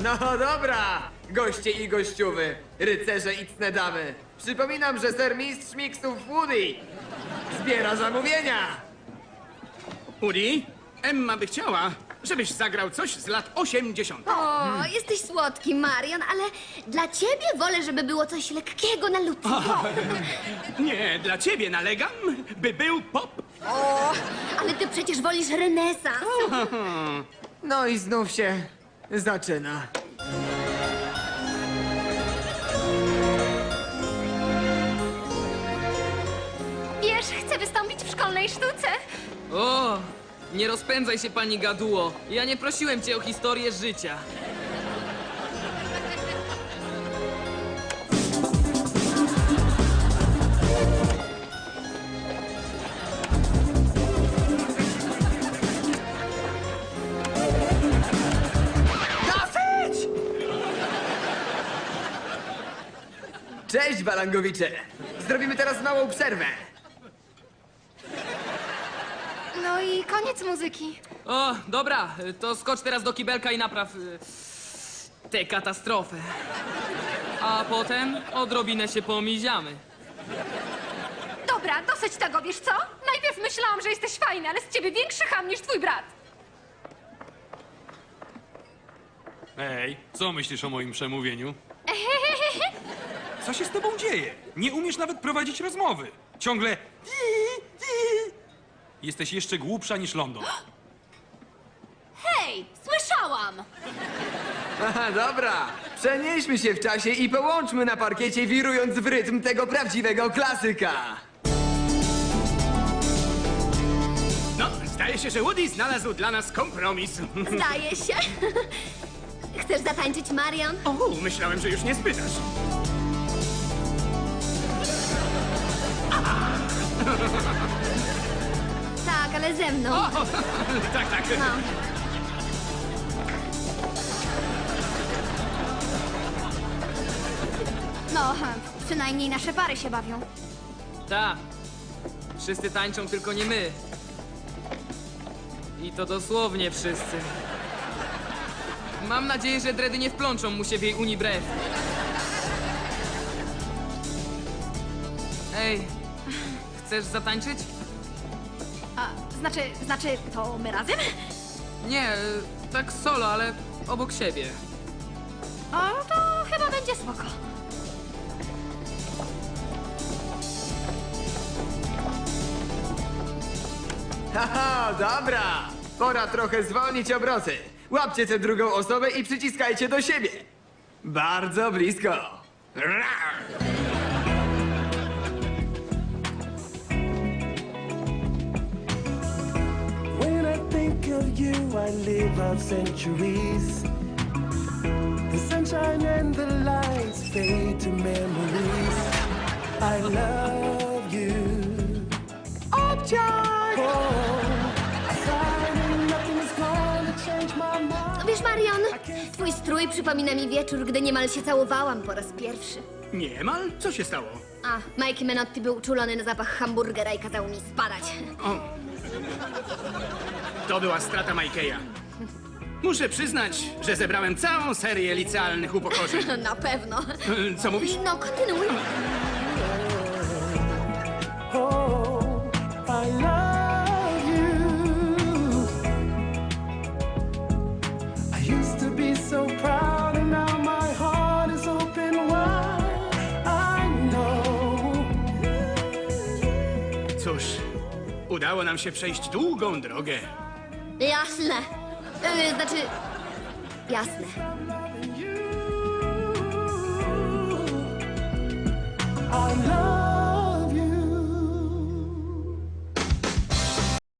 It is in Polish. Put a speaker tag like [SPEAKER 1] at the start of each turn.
[SPEAKER 1] No dobra, goście i gościuwy, rycerze i cne damy. Przypominam, że sermistrz miksów Woody zbiera zamówienia.
[SPEAKER 2] Woody, Emma by chciała, żebyś zagrał coś z lat 80.
[SPEAKER 3] O, jesteś słodki, Marion, ale dla ciebie wolę, żeby było coś lekkiego na lutniku.
[SPEAKER 2] Nie, dla ciebie nalegam, by był pop.
[SPEAKER 3] O, ale ty przecież wolisz renesans.
[SPEAKER 1] No i znów się zaczyna.
[SPEAKER 4] Wiesz, chcę wystąpić w szkolnej sztuce.
[SPEAKER 5] O, nie rozpędzaj się, pani gaduło. Ja nie prosiłem cię o historię życia.
[SPEAKER 1] Dosyć! Cześć, balangowicze. Zrobimy teraz małą przerwę.
[SPEAKER 4] No i koniec muzyki.
[SPEAKER 5] O, dobra, to skocz teraz do kibelka i napraw tę katastrofę. A potem odrobinę się pomiziamy.
[SPEAKER 4] Dobra, dosyć tego, wiesz co? Najpierw myślałam, że jesteś fajny, ale z ciebie większy cham niż twój brat.
[SPEAKER 6] Ej, co myślisz o moim przemówieniu? Co się z tobą dzieje? Nie umiesz nawet prowadzić rozmowy. Ciągle... Jesteś jeszcze głupsza niż London.
[SPEAKER 4] Hej, słyszałam!
[SPEAKER 1] Aha, dobra. Przenieśmy się w czasie i połączmy na parkiecie, wirując w rytm tego prawdziwego klasyka.
[SPEAKER 2] No, zdaje się, że Woody znalazł dla nas kompromis.
[SPEAKER 3] Zdaje się. Chcesz zatańczyć, Marion?
[SPEAKER 2] O, myślałem, że już nie spytasz.
[SPEAKER 3] Tak, ale ze mną.
[SPEAKER 2] Tak, tak.
[SPEAKER 3] No.
[SPEAKER 4] No, przynajmniej nasze pary się bawią.
[SPEAKER 5] Ta. Wszyscy tańczą, tylko nie my. I to dosłownie wszyscy. Mam nadzieję, że dredy nie wplączą mu się w jej unibrew. Ej, chcesz zatańczyć?
[SPEAKER 4] A, znaczy, to my razem?
[SPEAKER 5] Nie, tak solo, ale obok siebie.
[SPEAKER 4] O, to chyba będzie spoko.
[SPEAKER 1] Haha, dobra. Pora trochę zwolnić obroty. Łapcie tę drugą osobę i przyciskajcie do siebie. Bardzo blisko. Rar.
[SPEAKER 7] When I think of you, I live out centuries. The sunshine and the lights fade to memories. I love you.
[SPEAKER 1] Obciach!
[SPEAKER 7] Nothing is gonna change my mind.
[SPEAKER 3] Wiesz, Marion, twój strój przypomina mi wieczór, gdy niemal się całowałam po raz pierwszy.
[SPEAKER 2] Niemal? Co się stało?
[SPEAKER 3] A, Mikey Menotti był uczulony na zapach hamburgera i kazał mi spadać.
[SPEAKER 2] To była strata Mikeya. Muszę przyznać, że zebrałem całą serię licealnych upokorzeń.
[SPEAKER 3] Na pewno.
[SPEAKER 2] Co mówisz?
[SPEAKER 3] No, kontynuuj.
[SPEAKER 7] Oh, I love you. I used to be so proud, and now my heart is open wide. I know.
[SPEAKER 2] Cóż, udało nam się przejść długą drogę.
[SPEAKER 3] Jasne. Znaczy, jasne.
[SPEAKER 7] I love